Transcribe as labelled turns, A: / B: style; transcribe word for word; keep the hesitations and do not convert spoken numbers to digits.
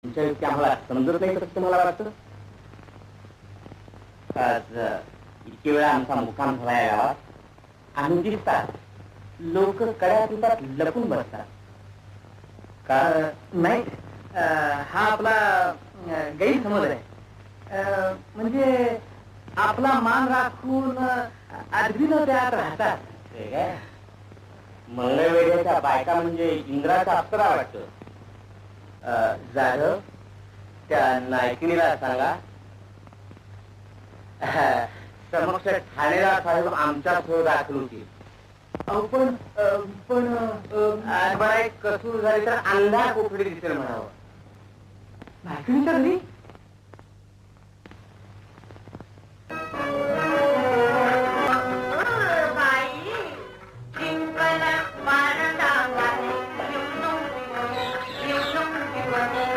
A: तुमच्या युक्ती आम्हाला समजत नाही कसं तुम्हाला वाटतं? आज इतके वेळा आमचा मुक्काम झाला या गावात, आम्ही दिसतात लोक कड्या तुटात लपून बसतात. का नाही, हा आपला गैरसमज आहे. म्हणजे आपला मान राखून अगदीनं त्यात राहतात. मंगळवेढ्याच्या बायका म्हणजे इंद्राचा अप्सरा वाटतं. जाधव, त्या नायकिनीला सांगा समक्ष ठाणेदार साहेब आमच्या सह दाखल होतील. पण पण बरं, एक कसूर झाली तर अंधा कोठडी दिसेल म्हणावं. नायकिनीच्या घरी